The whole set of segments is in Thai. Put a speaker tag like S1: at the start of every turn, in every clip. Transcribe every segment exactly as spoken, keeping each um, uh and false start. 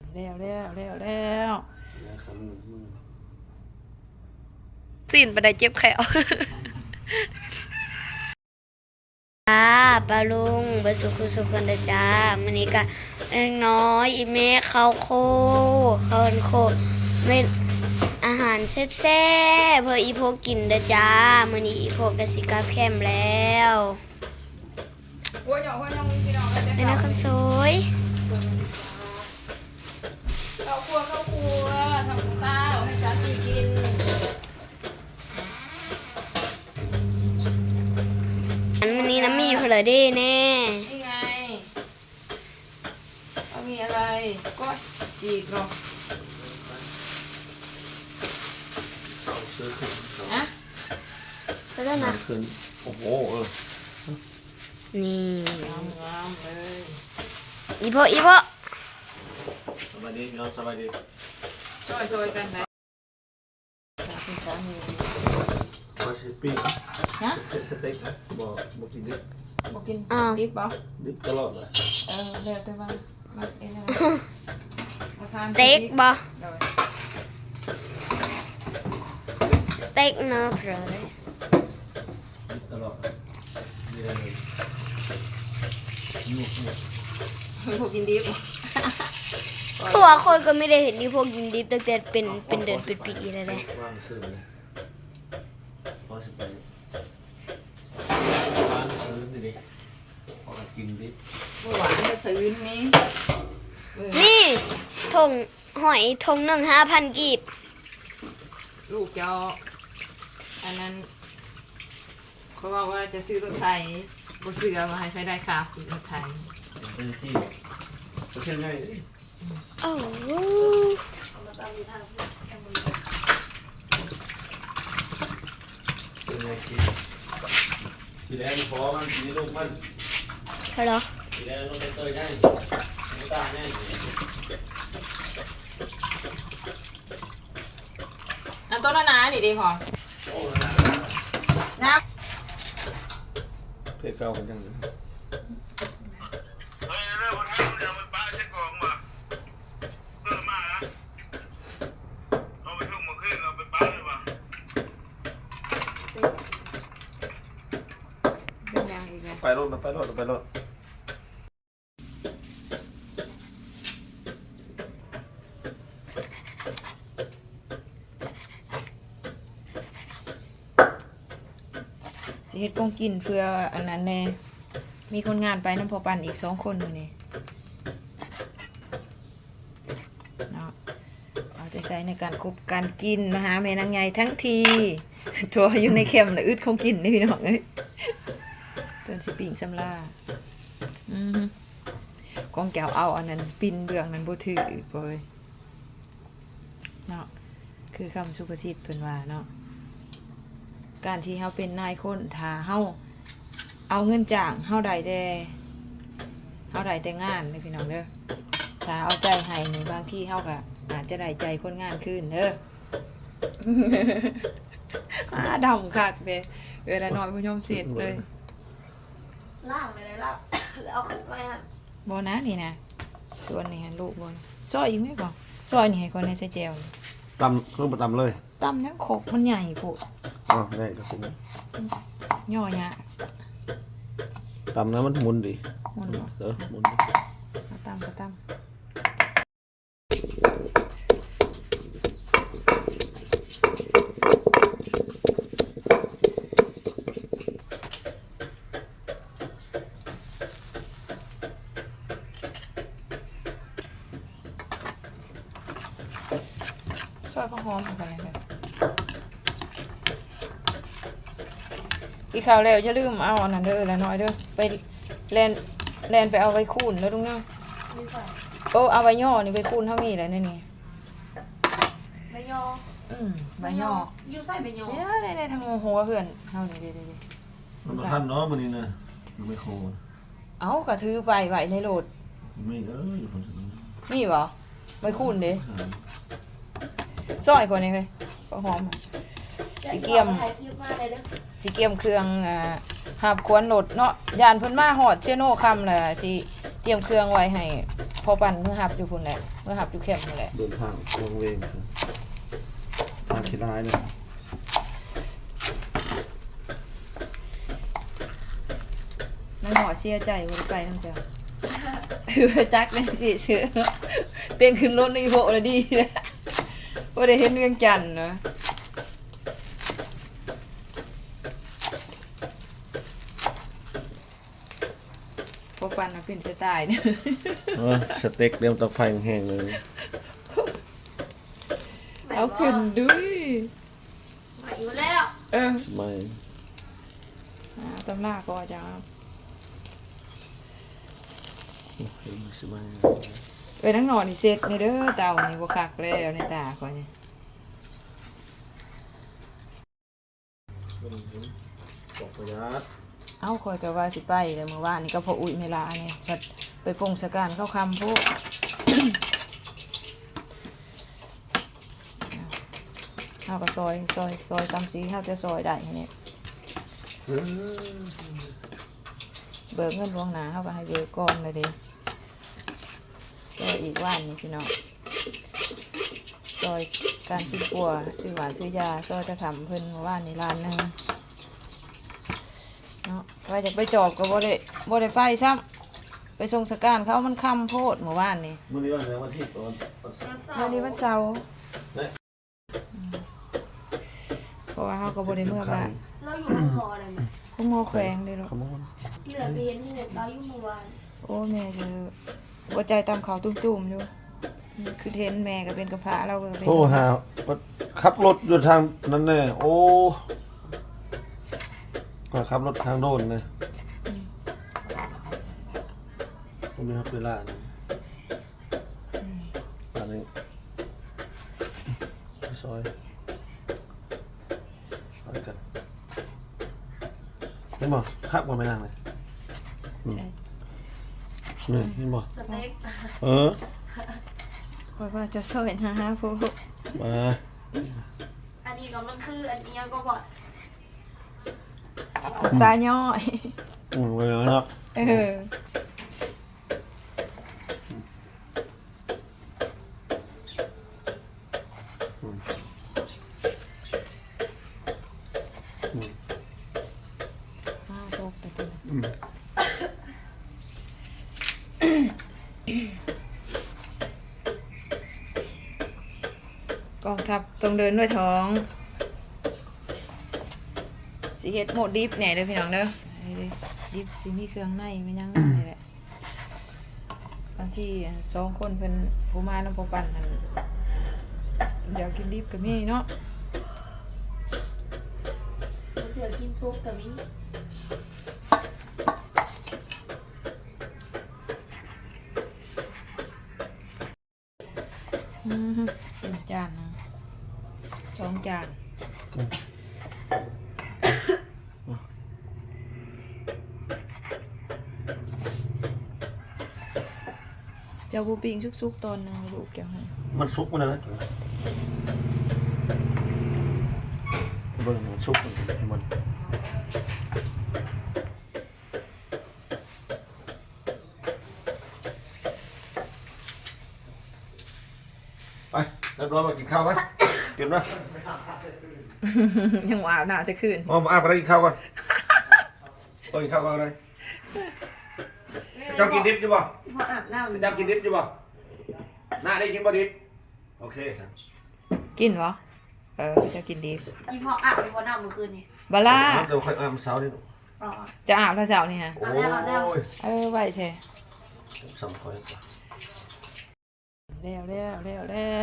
S1: แล้วแล้วแล้วแล้ว
S2: สิ้นไปได้เจ็บแขวจ้าปลาลุงเบสุขุสุขันเดจ้ามันนี้ก็เอ็งน้อยอีเมฆข้าวโคข้าวโคเป็นอาหารแซ่บๆเพื่ออีโพกินเดจ้ามันนี้อีโพกสิกาแคมแล้วเป็นนักคนสวย
S1: เข้าครัวเข้าครัวทำข้าวให้สามีกิน
S2: อันวันนี้น้ำมีเพลเด้แน่
S1: นี่ไงเอามีอะไรก็สีกหรอกฮะ
S2: ไปแล้วนะ
S3: ขึ้นโอ้โหเออ
S2: นี่
S1: งามงามเลย
S2: อีโพอีโพ
S3: สบายดีน้องสบายดี
S1: ช่วยช่วยกันนะคุณสามี
S3: ขอชิปปิ้ง
S1: ฮะ
S3: สเต็กนะบอกบอกกินดิบ
S1: บอกกินดิบป่ะ
S3: ดิบตลอดเลย
S1: เออเดี๋ยวแต่ว่ามันเองนะ
S2: สเต็กบ่สเต็กเนื้อเพลเลย
S3: ดิบตลอดมีอะไรเลยนุ่มนุ่ม
S1: พวกกินดิบ
S2: คือว่าคนก็ไม่ได้เห็นที่พวกกินดิบตั้งแต่เป็นเป็นเดือนเป็นปีแล้วเลย
S3: ว่างซื้อเลยพอสิไปร้านซื้อนี่ดิพอกินดิบ
S1: เมื่อวานจะซื้อนี้
S2: นี่ทงหอยทงหนึ่งห้าพันกีบ
S1: ลูกเจ้าอันนั้นเขาบอกว่าจะซื้อรถไถบ่ซื้อเอามาให้ใครได้ค่ะขี่รถไถ
S3: เป็นที่ก็เช่นไง
S2: โอ้โห
S3: เป็นไงกินกินแล้วพอมันกินลูกมัน
S2: เหรอ
S3: กินแล้วลูกเตยได้ไม่ตาแน่
S1: อันต้นนาดิดีพอนะ
S3: เพื่อเก่ากันจังเลยไปรถไปรถไปรถ
S1: สิเฮ็ดกงกินเพื่ออันนั้นแน่มีคนงานไปน้ำพอปันอีกสองคนอยู่นี่เนาะเอาใจใส่ในการคบการกินมาหาแม่นางใหญ่ทั้งทีทัวอยู่ในแคมป์แล้วอึดคงกินนี่พี่น้องเอ้ยเตือนสิปิ่งสำลาอือฮึกองแก้วเอาอันนั้นปินเบื้องนั้นบ่ถือบ่เอ้ยเนาะคือคำสุภาษิตเพิ่นว่าเนาะการที่เฮาเป็นนายคนถ้าเฮาเอาเงินจ้างเฮาได้แต่เฮาได้แต่งานเด้อพี่น้องเด้อถ้าเอาใจให้นี่บางทีเฮาก็อาจจะได้ใจคนงานขึ้นเด้ออาดำคักเด้เวลาน้อยผู้ชมเสร็จเลย
S2: ล่างเลยล่างเอาขึ้นไปครับ
S1: บ่นะนี่นะส่วนนี่ฮะลูกบ่ซอยอีกมั้ยบ่ซอยนี่ให้คนในใส่แจ่ว
S3: ตำเครื่องประตำเลย
S1: ตำยังขกมันใหญ่โพด
S3: อ๋อได้ก็คุ้ม
S1: ย่อหยะ
S3: ตำนะมันมุนดิ
S1: มุนบ่
S3: เออมุนดิ
S1: ตำก็ตำซอยข้าวหอมเข้าไปเลยอีกข่าวแล้วอย่าลืมเอาอันนั้นเด้อละน้อยเด้อไปแลนแลนไปเอาไว้คูนแล้วลุงเนาะโอ้เอาไว้ย่อนี่ไว้คูนเท่ามีอะไรนี่นี่
S2: ใบยอ
S1: อืมใบย่อ
S2: ยูใส่ใบยอ
S1: เนี่ยในในทางหัวเพื่อนเท่านี้เด้
S3: ๆมันทันเนาะมันนี่นะมันไม่โค
S1: เอากระถือไปไว้ในโหลด
S3: ไม่เอออยู่คนนี้
S1: มีบ่ไว้คูนเด้ซอยคนนี้เฮ้ยก็หอมสีเกียมสีเกียมเครื่องอ่าหาบควนโหลดเนาะยานเพิ่นมาหอดเชโน่คำแหละสิเตรียมเครื่องไว้ให้พอปั่นเมื่อหับอยู่พุ่นแหละเมื่อหับอยู่เข้มนั่นแหละ
S3: เดินทางวงเวงครับมาที่ร้ายเลย
S1: นางหมอเสียใจบ่ได้ไปนำจ้ะคือจักแม่สิชื่อเต้นขึ้นรถในโบแล้วดีนะบ่ได้เห็นเวียงจันทน์เนาะพอปั่นน่ะเป็นจะตายเนี่ย
S3: เออสเต็กเรียมเตาไฟแห้งเลย
S1: เอาขึ้นด้วย
S2: มาอยู่แล้ว
S1: เออ
S3: ไม่
S1: อ่าตำหน้าก็จะ
S3: เห็นสบาย
S1: เอ้ยนั่งนอนนี่เซ็ตนี่เด้อเต่านี่บ่คักแล้วในตาข่อยนี่
S3: ตกประหยัด
S1: เอ้าข่อยก็ว่าสิไปแล้วเมื่อวานนี่ก็พออุ้ยเมลานี่ก็ไปพงสการเข้าคำพวก เฮาก็ซอยซอยซอยซ้ำสีเฮาจะซอยได้เนี่ย
S3: เออ
S1: เบิกเงินล่วงหน้าเฮาก็ให้เบิกก่อนเลยเด้ซอยอีกว่านนี่พี่น้องซอยการกินปัวซื้อหวานซื้อยาซอยจะทำเพิ่นเมื่อวานนี่ร้านหนึงเนาะว่าจะไปจอบก็บ่ได้บ่ได้ไปซ้ำไปส่งสการเขามันค่ำโพดเมื่อวานนี่
S3: มื่อนี้วันไหนวันที่ตอนตอน
S1: วันนี้วันเสาร์
S3: เอ๊ะ
S1: เพราะว่าเขาก็บ่ได้เมื่อบ้าน
S2: เราอยู่ห้องหมออะไรไหม
S1: พวกหมอแขวงเด้อลูก
S3: ขโมย
S2: เหลือไปเห็นหูเราอยู่เมื่อวาน
S1: โอ้แม่เจอหัวใจตามเขาตุ้มๆอยู่คือเห็นแม่ก็เป็นกระเพาะเราก็เป็น
S3: โทรหาขับรถอยู่ทางนั้นแน่โอ้ก็ขับรถทางโดนเลยก็มีครับเวลานี่ตอนนี้ไปซอยซอยกันเห็นบ่ขับมาไม่นานเลย
S1: ใช่
S3: นี่เห็นบ่
S2: สเต็ก
S3: เออ
S1: เพราะว่าจะซอยหาหาพวก
S3: มา
S2: อันนี้ก็มันคืออันนี้ก็บอก
S1: ตาย่อย
S3: อืมไปแล้วเนาะ
S1: เออ
S3: อืม
S1: อ้าวตกไปตัว
S3: อืม
S1: กองทัพต้องเดินด้วยท้องสิเฮ็ดโหมดดิฟแหน่เด้อพี่น้องเด้อให้ดิฟสิมีเครื่องในมันยังนั่นนี่แหละบางทีสองคนเพิ่นผู้มานำบ่ปั่นนั่นเดี๋ยวกินดิฟก็มีเนาะ
S2: มันเดือกินซุปกับมิ้น
S1: อืมเป็นจานนะสองจานเจ้าบูปิงซุกๆตอนหนึงลูกเจ้าให้
S3: มันซุกมันนะเบิ่งมันซุกมันมันไปเรียบร้อยมากินข้าวไหมกินนะ
S1: ยังว่าหน้าจะขึ้น
S3: อ๋อมาอาบอะไรกินข้าวก่อนต้องกินข้าวก่อนอะไรเจ้ากินดิบใช่ป่ะ
S2: พออาบน้ำ
S3: เจ้ากินดิบใช่ป่ะหน้าได้กินบ่ดิบโอเคครับ
S1: กินวะเออจะกินดี
S2: อีพออาบในวันน้ำเมื่อคืนนี่
S1: บาล่า
S3: เดี๋ยวค่อยอาบเช้านี่
S2: อ๋อ
S1: จะอาบแล้วเช้านี่ฮะ
S3: โอ้
S2: เอาแล้วเอาแล้ว
S3: ย
S1: เออไหวแท้
S3: สำคัญ
S1: แล้วแล้วแล้วแล้ว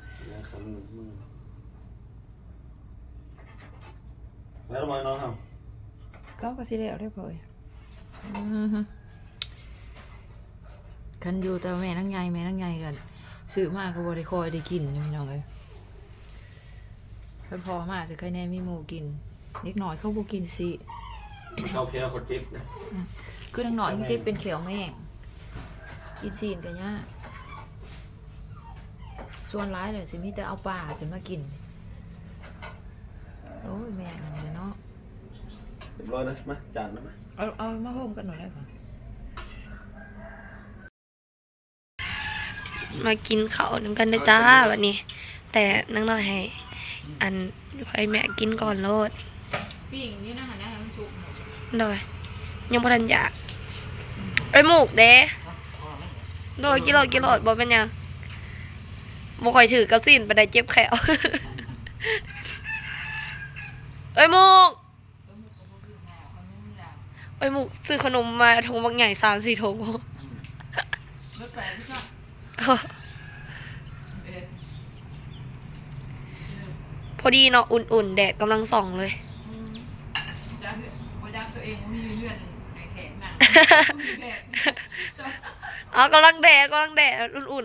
S3: แล้วทำไมน้องท
S1: ก็ก็สิแล้วเรียบร้อยอือฮึคันอยู่แต่แม่นั่งใหญ่แม่นั่งใหญ่กันซื้อมาก็บ่ได้คอยได้กินนะพี่น้องเอ้ยเพิ่นพอมาจะเคยแน่มีหมูกินเล็กน้อยเขาบ่กินสิ
S3: ำเขาแค่คนจิ๊บนะ
S1: คือนังน้อยจริงๆเป็นเขียวแม่งกินซีนกันยากส่วนร้ายเลยสิมีแต่เอาปลาขึ้นมากินโอ้ยแม่งอันนี้เนาะ
S3: เรียบร้อยนะมาจานนะมา
S1: เอาเอามาโฮมกันหน่อยได้ปะ
S2: มากินข้าวน้ำกันนะจ้าวันนี้ แต่นังน้อยให้อันให้แม่กินก่อนโลด
S1: ปิ้งนี่นะฮะนะมันสุก
S2: โดยยังบ่ทันอยากไอ้ยหมูกเด้โดยกิโลกิโลบ่เป็นหยังบ่ค่อยถือกระสินไปได้เจ็บแขว เอ้ยหมูกเอ้ยหมูกซื้อขนมมาถุงบางใหญ่สามสี่ถุง
S1: รถแปลกที่ชอบเอ๊ะ
S2: พอดีเนาะอุ่นๆแดดกำลังส่องเลย
S1: อืมจะเหื่อนบ่จักตัวเองมีเลือดในแขนหนังแดดชอบ
S2: อ๋อกำลังแดดกำลังแดดอุ่น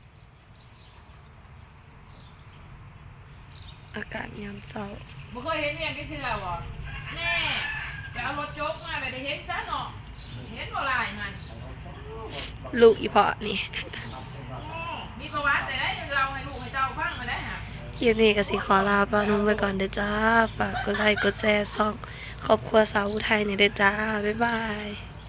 S2: ๆ อากาศยามเช้า
S1: บ่เคยเห็นเมียงก็เชื่อบ่แน่ไปเอารถโจ๊กมาไปได้เห็นซะเนาะเห็นบ่ลายมัน
S2: ลูกอีพอนี่
S1: มีประวัติแต่ได้เราให้ลูกให้เจ้าฟังมาได้ฮะ
S2: คลิปนี้ก็สิขอลาปานุ่มไปก่อนเด้อจ้า ฝากกดไลค์กดแชร์ช่องครอบครัวสาวอุทัยนี่เด้อจ้า บ๊ายบาย